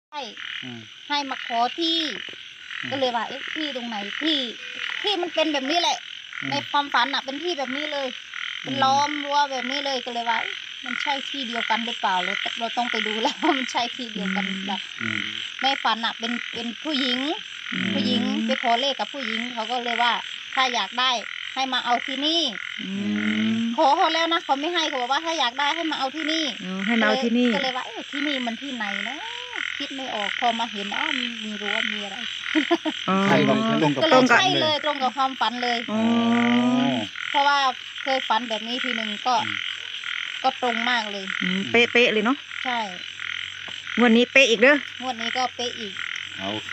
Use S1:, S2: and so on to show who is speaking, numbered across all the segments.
S1: ให้ให้มาขอที่ก็เลยว่าที่ตรงไหนที่มันเป็นแบบนี้แหละในความฝันอ่ะเป็นที่แบบนี้เลยเป็นล้อมรั้วแบบนี้เลยก็เลยว่ามันใช่ที่เดียวกันหรือเปล่าเราต้องไปดูแล้วว่ามันใช่ที่เดียวกันหรือเปล่าในฝันอ่ะเป็นผู้หญิงไปขอเลขกับผู้หญิงเขาก็เลยว่าถ้าอยากได้ให้มาเอาที่นี่ขอเขาแล้วนะเขาไม่ให้เขาบอกว่าถ้าอยากได้ให้มาเอาที่นี่
S2: ให้มาเอาที่นี่
S1: ก็เลยว่าที่นี่มันที่ไหนนะคิดไม่ออกพอมาเห็นมีรั้วมีอะไร
S3: ใช่ตรงกับ
S1: ก็เลยใช่เลยตรงกับความฝันเลยเพราะว่าเคยฝันแบบนี้ทีหนึ่งก็ตรงมากเลย
S2: เป๊ะเลยเนาะ
S1: ใช่
S2: งวดนี้เป๊ะอีกเด้อง
S1: วดนี้ก็เป๊ะอีก
S3: โอเค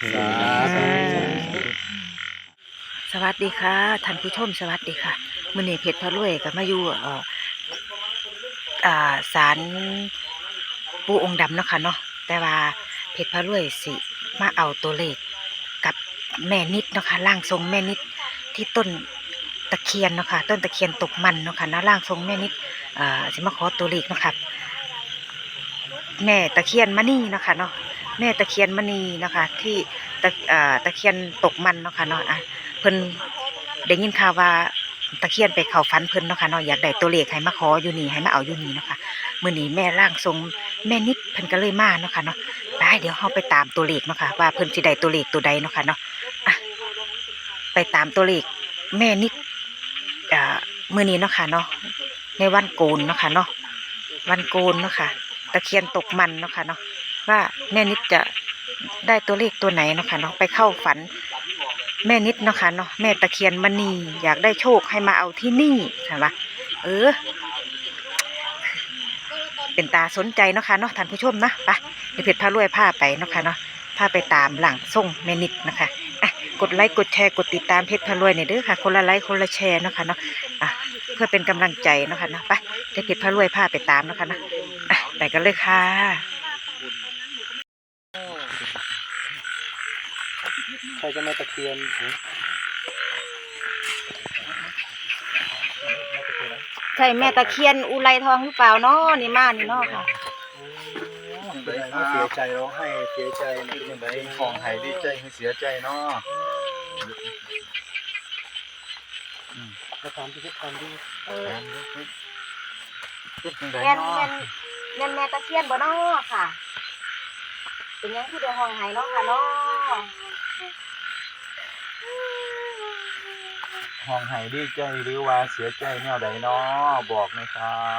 S2: สวัสดีค่ะท่านผู้ชมสวัสดีค่ะมื้อนี้เพชรพารวยก็มาอยู่ศาลปู่องค์ดำเนาะค่ะเนาะแต่ว่าเพชรพารวยสิมาเอาตัวเลขกับแม่นิดเนาะค่ะร่างทรงแม่นิดที่ต้นตะเคียนเนาะค่ะต้นตะเคียนตกมันเนาะค่ะนะร่างทรงแม่นิดสิมาขอตัวเลขเนาะค่ะแม่ตะเคียนมณีเนาะค่ะเนาะแม่ตะเคียนมณีเนาะค่ะที่ตะเคียนตกมันเนาะค่ะเนาะเพิ่นได้ยินข่าวว่าตะเคียนไปเข้าฝันเพิ่นเนาะค่ะเนาะอยากได้ตัวเลขให้มาขออยู่นี่ให้มาเอาอยู่นี่เนาะค่ะมื้อนี้แม่ร่างทรงแม่นิดเพิ่นก็เลยมาเนาะค่ะเนาะไปเดี๋ยวเฮาไปตามตัวเลขเนาะค่ะว่าเพิ่นสิได้ตัวเลขตัวใดเนาะค่ะเนาะไปตามตัวเลขแม่นิดมื้อนี้เนาะค่ะเนาะในวันโกนเนาะค่ะเนาะวันโกนเนาะค่ะตะเคียนตกมันเนาะค่ะเนาะว่าแม่นิดจะได้ตัวเลขตัวไหนเนาะค่ะเนาะไปเข้าฝันแม่นิดเนาะค่ะเนาะแม่ตะเคียนมณีอยากได้โชคให้มาเอาที่นี่ใช่ปะเป็นตาสนใจเนาะค่ะเนาะท่านผู้ชมนะไปเดี๋ยวเพชรพารวยพาไปเนาะค่ะเนาะพาไปตามหลังส่งแม่นิดนะคะกดไลค์กดแชร์กดติดตามเพชรพารวยเนี่ยเด้อค่ะคนละไลค์คนละแชร์เนาะค่ะเนาะเพื่อเป็นกำลังใจเนาะค่ะเนาะไปเดี๋ยวเพชรพารวยพาไปตามเนาะค่ะเนาะไปกันเลยค่ะ
S3: ใครจะมาตะเคียน
S2: ใช่แม่ตะเคียนอุไรทองหรือเปล่าเนาะนี่มานี่เนาะค่ะ
S3: เสียใจร้องไห้เสียใจเป็นยังไงของหายดีใจให้เสียใจเนาะจะทำที่ทำที่
S2: แม่แม่ตะเคียนบ่เนาะค่ะเป็นยังที่เดือห้องไห้เนาะค่ะเนาะ
S3: ห้องหายดีใจหรือว่าเสียใจแนวใดเนาะบอกหน่อยครับ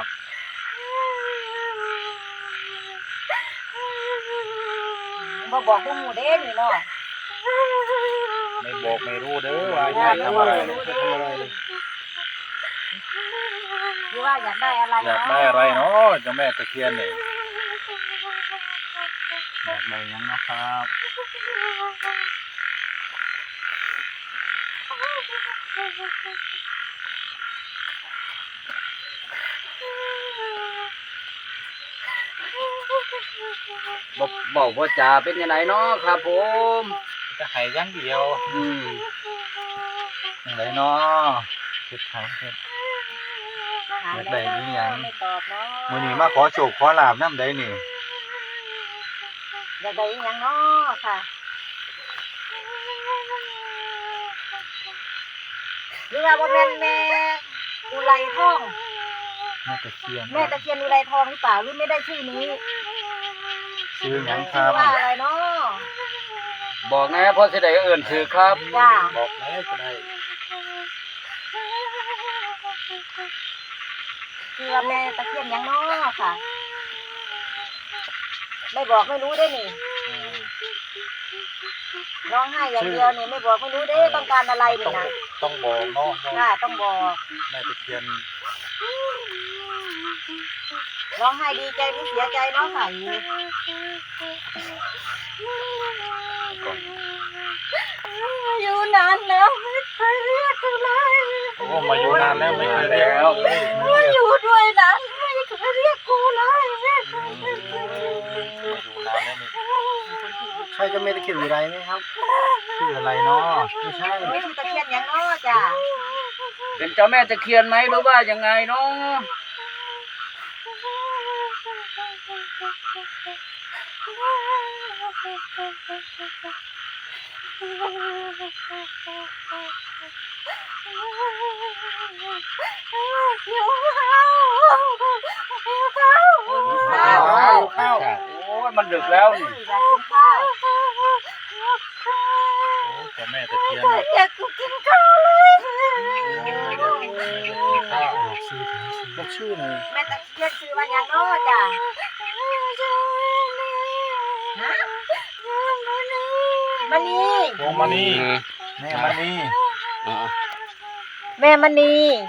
S2: บอกพวกหมูเด้นี่เนาะ
S3: ไม่บอกไม่รู้เด้อว่าอยากทำอะไร
S2: หรือว่าอยากได้อะไร
S3: อยากได้อะไรเนาะเจ้าแม่ตะเคียนเนี่ยอยากได้ยังนะครับ
S4: บอกว่าจ่าเป็นยังไงเนาะครับผม
S3: จะหายยังเดียวยังไงเนาะเก็บถามเก็บอยากได้นี่ยังมื้อนี้มาขอโชคขอลาบน้ำใดนี่
S2: อยากได้ยังเนาะค่ะหรือว่าบ่แม่นแม่อุไรทอง
S3: แม่ตะเคียน
S2: อุไรทองหรือเปล่าหรือไม่ได้ชื่อนี้
S3: ชื่อหยังครับ
S2: ว่าอะไรเนาะ
S4: บอกนะเพราะสิได้เอื่นถือครับ
S3: บอกแม่ก็ได้
S2: คือว่าแม่ตะเคียนยังเนาะค่ะไม่บอกไม่รู้ได้นี่ร้องไห้อย่างเดียวนี่ไม่บอกไม่รู้ได้ต้องการอะไรนี่นะ
S3: ต้องบอกเนาะ
S2: ค่ะต้องบอก
S3: แม่ตะเคียน
S2: ร้องไห้ดีใจหรือเสียใจเนาะค่ะอยู่นานแล้วไม่เคยเรียกอะไร
S3: โอ้มาอยู่นานแล้วไม่เคยเรียกแล้ว
S2: มาอยู่ด้วยนานไม่เคยเรียกกูเลย
S3: อยู่นานแล้วนี่
S4: ใช่จะไม่ตะเคียนอะไรไหมครับ
S3: ชื่ออะไรเนาะ
S4: ไม่ใช่
S2: ไม่ใช่ตะเคียนยังเนาะจ้ะ
S4: เป็นเจ้าแม่ตะเคียนไหมหรือว่ายังไงเนาะข้าวโอ้ยมันดึกแล้วนี่
S2: อยากกินข้าว
S3: เจ้าแม่ตะเคียน
S1: อยากกินข้าวเลย
S3: ข้าวบอกชื่อหน่อย
S2: แม่ตะเคียนชื่อว่าหยังน้อจ้ะฮะมณี
S3: วงมณีแม่มณี
S2: แม่มณี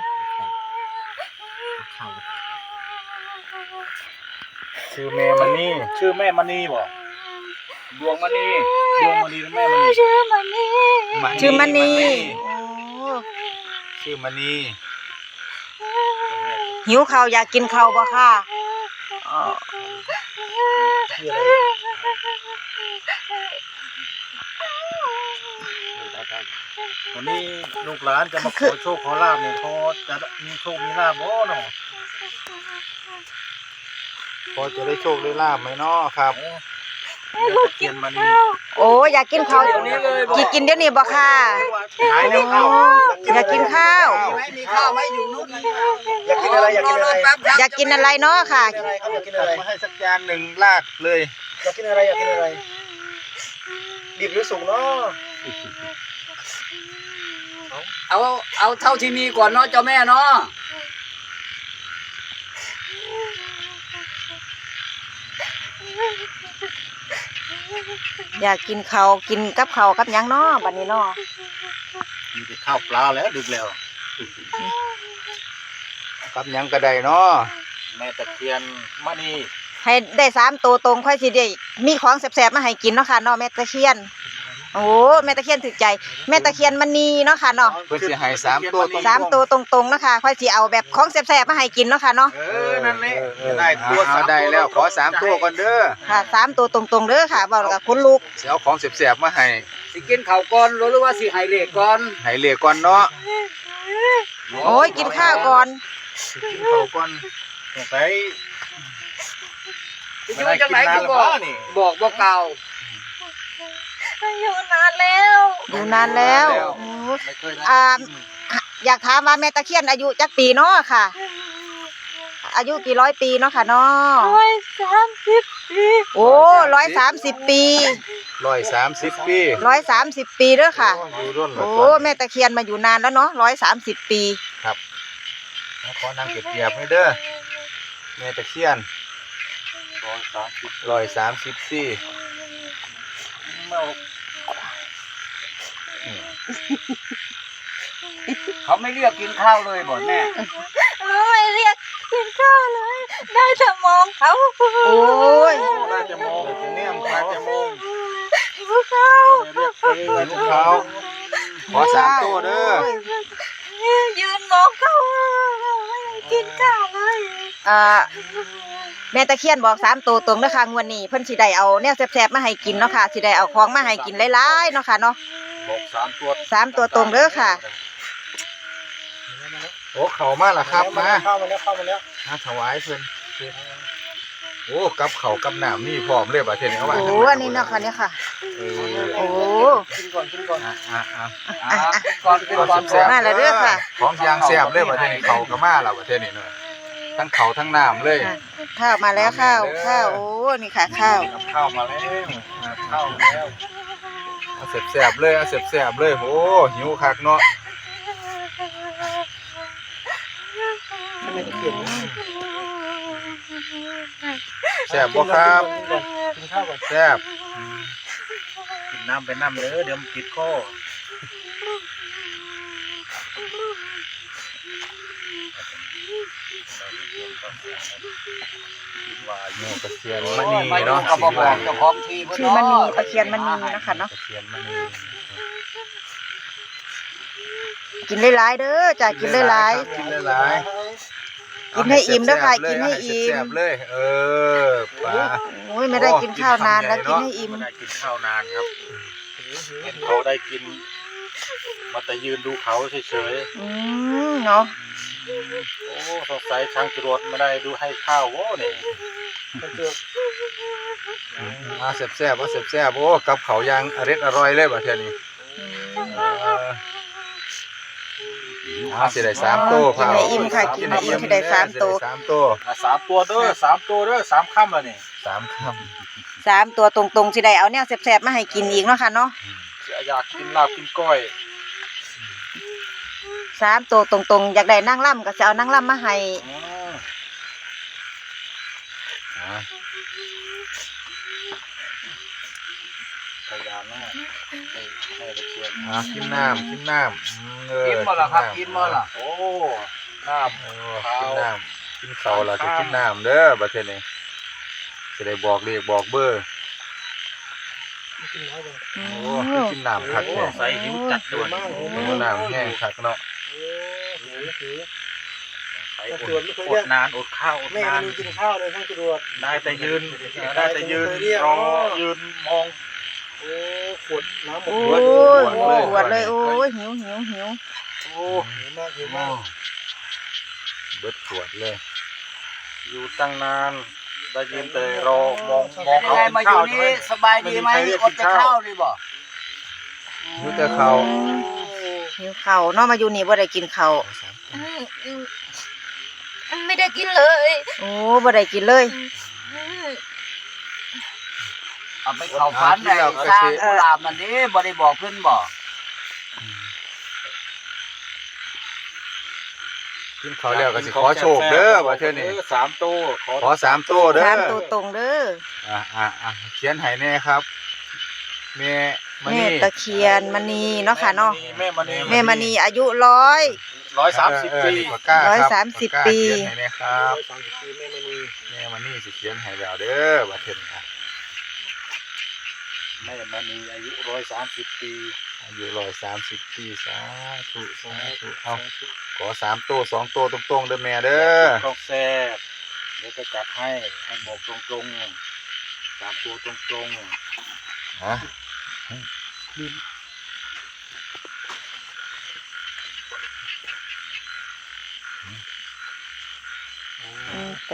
S3: ชื่อแม่มณีชื่อแม่มณีบ่
S4: ดวงมณี
S3: ดวงมณีหรือแม่มณี
S1: ชื่อมันนี่
S2: ชื่อมณีโอ้
S3: ชื่อมณี
S2: หิวข้าวอยากกินข้าวบ่ค่ะอ๋อ
S3: ชื่ออะไรวันนี้ลูกหลานจะมาขอโชคขอลาบเนี่ยพอจะมีโชคมีลาบบ่เนาะพอจะได้โชคได้ลาบไหมเนาะครับตะเคียนมณี
S2: โอ้อยากกินข้าวสิกินเดี๋ยวนี้บ่ค่ะ
S3: หายแล้วข้าว
S2: อยากกินข้าว
S4: มีข้าวไหมอยู่นู้น
S3: อยากกินอะไรอยากกินอะไร
S2: อยากกินอะไรเนาะค่ะ
S3: อยากกินอะไรมาให้สักจานหนึ่งลากเลยอยากกินอะไรอยากกินอะไรดิบหรือสุกเนาะ
S4: เอาเท่าที่มีก่อนเนาะเจ้าแม่เนาะ
S2: อยากกินข้าวกินกับข้าวกับหยังเนาะบัดนี้เนาะ
S3: มีแต่ข้าวปลาแล้วดึกแล้วกับหยังกระไดเนาะแม่ตะเคียนมณี
S2: ให้ได้3ตัวตรงค่อยสิได้มีของแซ่บๆมาให้กินเนาะค่ะเนาะแม่ตะเคียนโอ้แม่ตะเคียนถึกใจแม่ตะเคียนมณีเนาะค่ะเนาะ
S3: เพื่อสิให้3ตัว
S2: 3ตัวตรงๆเนาะค่ะค่อยสิเอาแบบของแซ่บๆมาให้กินเนาะค่ะเนาะ
S3: นั่นแหละได้ตัวได้แล้วขอ3ตัวก่อนเด้อ
S2: ค่ะ3ตัวตรงๆเด้อค่ะเว้าแล้วก็ขนลุก
S3: สิเอาของแซ่บๆมาให้
S4: สิกินข้าวก่อนหรือว่าสิให้เลขก่อน
S3: ให้เรียกก่อนเนาะ
S2: โอ้ยกินข้าวก่อน
S3: กินข้าวก่อนไป
S4: อยู่จังไหนคือบอกบ่เก่า
S1: อยู่นานแล้ว
S2: อยู่นานแล้วโอ้
S3: ไม่เคย
S2: อยากถามว่าแม่ตะเคียนอายุจักปีเนาะค่ะ อายุกี่ร้อยปีเนาะค่ะเนาะ
S1: 130 ปี
S2: โอ้130 ปี
S3: 130 ปี
S2: 130 ปีเด้อค่ะ
S3: อยู่ร่น
S2: โอ้แม่ตะเคียนมาอยู่นานแล้วเนาะ130 ปี
S3: ขอนางเก็บๆให้เด้อแม่ตะเคียน130ปี
S4: เขาไม่เรียกกินข้าวเลยบ่แม่
S1: ไม่เรียกกินข้าวเลย ได้แต่มองเขา
S2: โอ้ย
S3: ได้จะมองจะเนี่ยมได้จะมอง
S1: หิวข้าว
S3: เรียกลูกเขาขอ3ตัวเด้อ
S1: ยืนมองเขาไม่ได้กินข้าวเลย
S2: แม่ตะเคียนบอก3ตัวตรงเด้อค่ะงวดนี้เพิ่นสิได้เอาแนวแซ่บๆมาให้กินเนาะค่ะสิได้เอาของมาให้กินหลายๆเนาะค่ะเนาะ
S3: บอก3ตัว
S2: 3ตัวตรงเด้อค่ะ
S3: โอ้เขามาแล้วครับมาเข้ามาแล้วถวายเพิ่นโอ้กับเขากับน้ำนี่พร้อมเลยบ่เท่นี้เอาไว้
S2: โอ้อันนี้เนาะค่ะเนี่ยค่ะโอ้
S3: กินก่อนก่อน
S4: ก่อนก่อน
S3: แซ่บ
S2: มาแล้วเด้อค่ะ
S3: ของยางแซ่บเลยบ่เท่นี้เขาก็มาแล้วบ่เท่นี้เนาะทั้งเขาทั้งน้ำเลย
S2: ข้าวมาแล้วข้าวโอ้นี่ค่ะข้าว
S3: ข้าวมาแล้วข้าวแล้วเอาแซ่บๆเลยเอาแซ่บๆเลยโอ้หิวคักเนาะแซ่บบ่ครับกินข้าวก่อนแซ่บกินน้ำไปน้ำเลยเดี๋ยวมันติดคอว่าแม่ตะเคียนมณี
S4: ไม่รู้
S3: เนาะ
S4: ก็บ่บอกเจ้าของที่เพิ่น
S2: ชื่อมณีตะเคียนมณีนะคะเนาะ
S3: ตะเคียนมณี
S2: กินหลายๆเด้อจ้ะกินหลาย
S3: กินหลาย
S2: ๆกินให้อิ่มเด้อค่ะกินให้อิ่ม
S3: แซ่บๆเลยปลา
S2: โอ้ยไม่ได้กินข้าวนานแล้วกินให้อิ่ม
S3: ไม่ได้กินข้าวนานครับเห็นเขาได้กินมาแต่ยืนดูเขาเฉย
S2: เนาะ
S3: ๆโอ้สงสัยช่างจรวดไม่ได้ดูให้ข้าวโว้นี่มาแซ่บๆว่าแซ่บๆโอ้กับเขาวยังอร่อยเลยบ่เท่านี้สิได้3ตัว
S2: กินให้อิ่มค่ะกินให้อิ่มที่ได้3ตัว
S3: 3ตัว3ตัวเด้อ3ตัวเด้อ3ค่ำแล้วนี่3ค่ำ
S2: 3ตัวตรงๆสิได้เอาแนวแซ่บๆมาให้กินอีกเนาะค่ะเนาะ
S3: อยากกินลาบกินก้อย
S2: 3ตัวตรงๆอยากได้นางล่ำก็จะเอานางล่ำมาให้
S3: พยายามนะให้ตะเคียนกินน้ำกินน้ำ
S4: กินบ่ล่ะครับกินบ่ล่ะ
S3: โอ้น้ำกินน้ำกินข้าวล่ะจะกินน้ำเด้อบัดนี้จะได้บอกเลขบอกเบอร์โอ้กินน้ำคักแท้ใส่หิวจัดด่วนน้ำแห้งคักเนาะอดนานอดข้าวอดนานกินข้าวเลยทั้งจรวดได้แต่ยืนรอยืนมองโอ้ขวดน้ำหมด
S2: โอ้ยปวดเลยโอ้ยหิว
S3: โอ้หิวมากเบิดขวดเลยอยู่ตั้งนานได้ยืนแต่รอมอง
S4: เป็นไงมาอยู่นี่สบายดีไหมอดแต่ข้าวดีบ่
S3: อยู่แต่ข้าว
S2: หิวข้าวเนาะมาอยู่นี่บ่ได้กินข้าว
S1: ไม่ได้กินเลย
S2: โอ้บ่ได้กินเลย
S4: เอาไปเข้าฝันได้สร้างกุหลาบนั่นนี่บ่ได้บอกเพิ่นบ่
S3: กินข้าวแล้วก็สิขอโชคเด้อว่าเท่านี้3ตัวขอ3ตัวเด้อ
S2: 3ตัวตรงเด้อ
S3: เขียนให้แน่ครับแม่มณี
S2: แม่ตะเคียนมณีเนาะค่ะเนาะ
S3: แม่
S2: มณีอายุ
S3: 130 ปี
S2: 130 ปี
S3: เขียนให้แน่ครับแม่มณีสิเขียนให้แล้วเด้อว่าเท่านี้แม่มณีอายุ130 ปีอายุ130 ปีสาธุเอาขอ3ตัว2ตัวตรงๆเด้อแม่เด้อต้องแซ่บเดี๋ยวจะจัดให้บอกตรงๆ3ตัวตรงๆฮะ
S2: แต่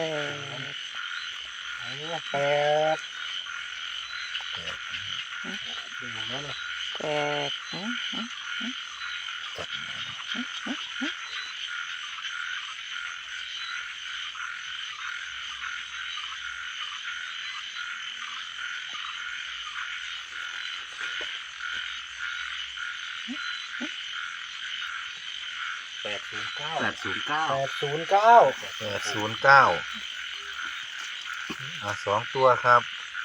S3: 82ตัวครับ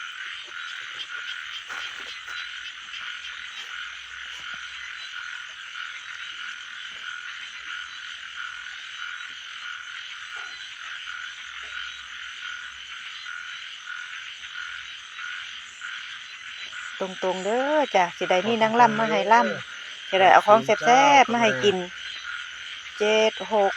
S2: ตรงๆเด้อจ้ะสิได้มีนางล่ำมาให้ล่ำจะได้เอาของแซ่บๆมาให้กิน7 6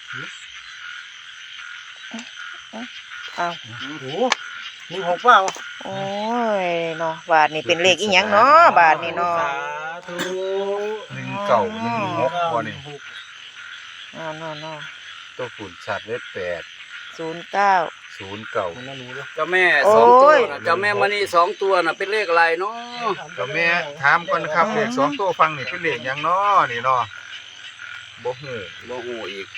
S2: เอา
S3: โอ้มี6เปล่า
S2: โอ้ยเนาะบาทนี่เป็นเลขอีหยังเนาะบาทนี่เนาะ
S3: 1 9 1 6บ่นี่
S2: เนาะ
S3: ตัวฝุ่นชัดเลย8
S2: 09
S3: 09
S4: เจ้าแม่2ตัวน่ะเจ้าแม่มณี2ตัวน่ะเป็นเลขอะไรเนาะ
S3: เจ้าแม่ถามก่อนนะครับเลข2ตัวฟังนี่เป็นเลขหยังเนาะนี่เนาะบ่ฮู้
S4: อีก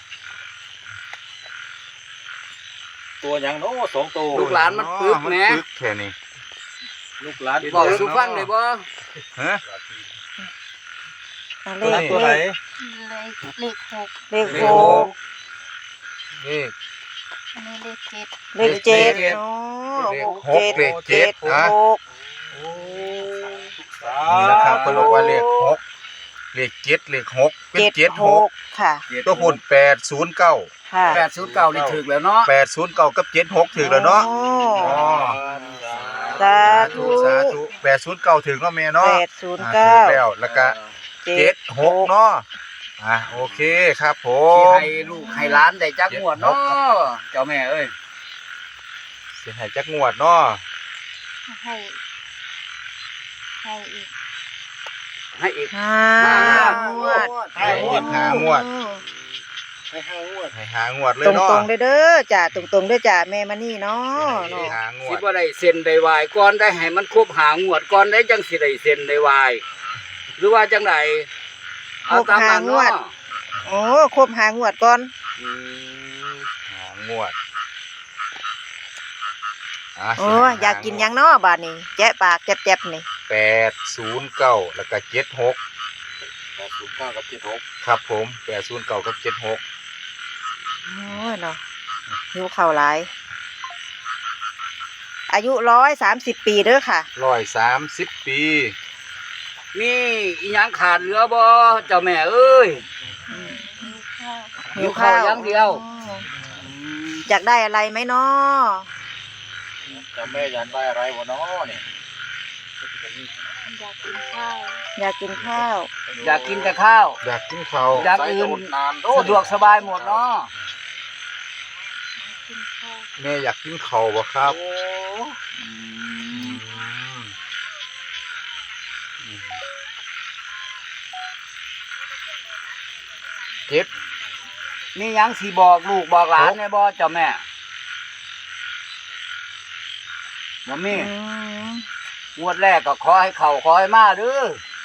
S3: ตัวหยังเนาะ2ตัว
S4: ลูกหลานมันปึกแหม
S3: ปึกแค่นี้ลูกหลาน
S4: บอกสู่ฟังได้บ่
S3: ฮะ
S2: เลข
S3: ตัวไหน
S1: เลขหก
S2: เลข
S3: เลข
S1: อันนี้เลขเจ็ด
S2: เลข7เนาะ
S3: เลข7ฮะ
S2: 6
S3: นี่นะครับเพิ่นบอกว่าเลข6เลข7เลข6เป็น76
S2: ค่ะ
S3: ตัวพุ่น809
S2: ค่ะ
S4: 809นี่ถูกแล้วเนาะ
S3: 809กับ76ถึงแล้วเนาะ
S2: สาธุ
S3: 809ถึงเนาะแม่เนาะถึง
S2: 809
S3: แล้วแล้วก็76เนาะโอเคครับผ
S4: สิ
S3: ม
S4: ให้ลูกให้หลานได้จักงวดเนาะเจ้าแม่เอ้ย
S3: สิให้จักงวดเนาะ
S1: ให้อีก
S4: ให้อีก
S2: 5 งวด
S3: ให้อีก5งวดให้5 งวดให้5 งวดเลย
S2: ตรง
S3: เนาะ
S2: ตรงๆเด้อจ้าตรงตรงๆเด้อจ้าแม่มานี่เนาะ
S3: ให้
S2: เนาะ
S3: 5 งว
S4: สิ
S3: ด
S4: บ่ได้เซ็นได้วายก่อนได้ให้มันครบหางวดก่อนได้จังสิได้เซ็นได้วายหรือว่าจังไดเอาตามนั้นเนาะ
S2: โอ้ครบหางวดก่อน
S3: 5 งวด
S2: โอ้อยากกินหยังเนาะบาดนี้แจ๊ะปากแจ๊บๆนี่
S3: 809แล้วก็76
S4: 809กับ76
S3: ครับผม809กับ76
S2: โอ้ยเนาะหิวข้าวหลายอายุ130 ปีเด้อค่ะ
S3: 130 ปี
S4: มีอีหยังขาดเหลือบ่เจ้าแม่เอ้ย หิวข้าวอย่างเดียว
S2: อยากได้อะไรไหมเนาะ
S3: จะแม่อยากได้อะไรวะเนาะนี่
S1: อยากกินข้าว
S2: อยากกินข้าว
S4: อยากกินแต่ข้าว
S3: อยากกินข้าว
S4: อยากอื่นสะดวกสบายหมดเนาะ
S1: กินข้าว
S3: แม่อยากกินข้าวบ่ครับ เจ็ด
S4: มีหยังสิบอกลูกบอกหลานแน่บ่เจ้าแม่บ่มี งวดแรกก็ขอให้เข้าขอให้มาเด้อ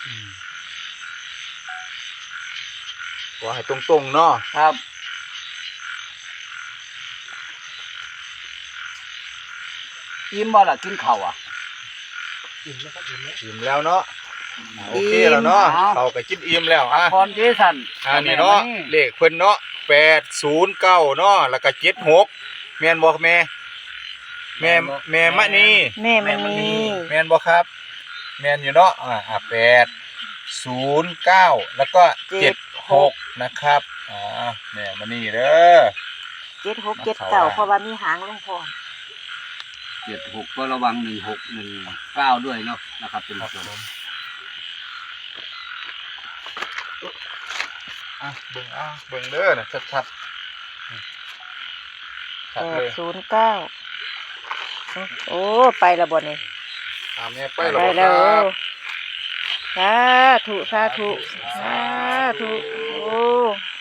S3: ขอให้ตรงๆเนาะ
S4: ครับ อิ่มบ่ล่ะกินข้าวอ่ะ
S3: อิ่มแล้วเนาะโอเคแล้วเนาะ
S4: อิ่ม
S3: เขาก็กินอิ่มแล้วอ่ะ
S4: พรเจสัน
S3: นี่เนาะเลขเพิ่นเนาะ809เนาะแล้วก็76แม่นบ่แม่แม่มะนี
S2: แม่มันมี
S3: แม่นบ่ครับ แม่นอยู่เนาะ809แล้วก็76นะครับแม่มะนีเด้อ
S2: 76 79เพราะว่ามีหางลงพร้อม
S4: 76ก็ระวัง1619ด้วยเนาะนะครับเป็นผู้ชม
S3: เบิ่งเด้อนะชัดๆชัดเลย
S2: 809โอ้ไปและบ่นี่
S3: แม่ไป
S2: ไป
S3: แล้วบ่
S2: แล้ว
S3: ครับ
S2: สาธุโอ้